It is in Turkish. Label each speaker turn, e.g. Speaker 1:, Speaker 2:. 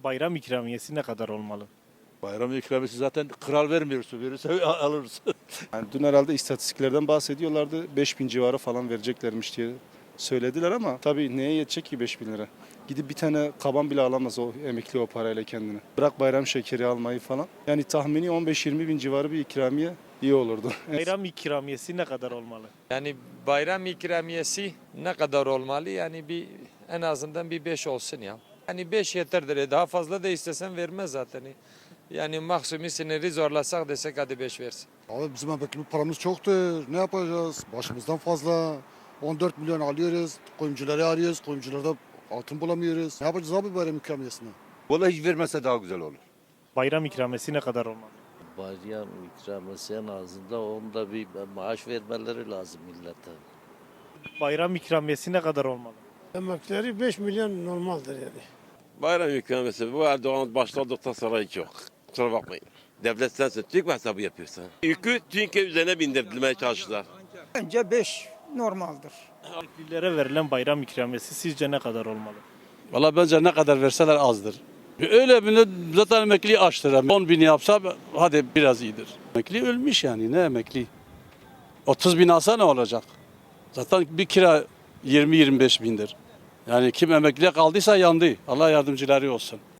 Speaker 1: Bayram ikramiyesi ne kadar olmalı?
Speaker 2: Bayram ikramiyesi zaten kral vermiyorsun. Verirse alırız.
Speaker 3: Yani dün herhalde istatistiklerden bahsediyorlardı. 5.000 civarı falan vereceklermiş diye söylediler ama tabii neye yetecek ki 5.000 lira? Gidip bir tane kaban bile alamaz o emekli o parayla kendine. Bırak bayram şekeri almayı falan. Yani tahmini 15-20 bin civarı bir ikramiye iyi olurdu.
Speaker 1: Bayram ikramiyesi ne kadar olmalı?
Speaker 4: Yani bayram ikramiyesi ne kadar olmalı? Yani en azından bir 5 olsun ya. Yani 5 yeterdir. Daha fazla da istesen vermez zaten. Yani maksimum sınırı zorlasak desek hadi 5 versin.
Speaker 5: Abi bizim emekli paramız çoktur. Ne yapacağız? Başımızdan fazla. 14 milyon alıyoruz. Kuyumcuları arıyoruz. Kuyumcularda altın bulamıyoruz. Ne yapacağız abi bayram ikramiyesine?
Speaker 6: Vallahi hiç vermese daha güzel olur.
Speaker 1: Bayram ikramiyesi ne kadar olmalı?
Speaker 7: Bayram ikramiyesi en azından onda bir maaş vermeleri lazım millete.
Speaker 1: Bayram ikramiyesi ne kadar olmalı?
Speaker 8: Emekleri 5 milyon normaldir yani.
Speaker 9: Bayram ikramiyesi bu Erdoğan başladıktan sonra hiç yok. Kusura bakmayın. Devlet sensin. Türk mü hesabı yapıyorsun? Yükü Türkiye üzerine bindirmeye çalıştılar.
Speaker 10: Bence 5 normaldir.
Speaker 1: Emeklilere verilen bayram ikramiyesi sizce ne kadar olmalı?
Speaker 2: Valla bence ne kadar verseler azdır. Öyle bir zaten emekli açtır. 10 bin yapsa hadi biraz iyidir. Emekli ölmüş yani ne emekli? 30 bin alsa ne olacak? Zaten bir kira 20-25 bindir. Yani kim emekliye kaldıysa yandı. Allah yardımcıları olsun.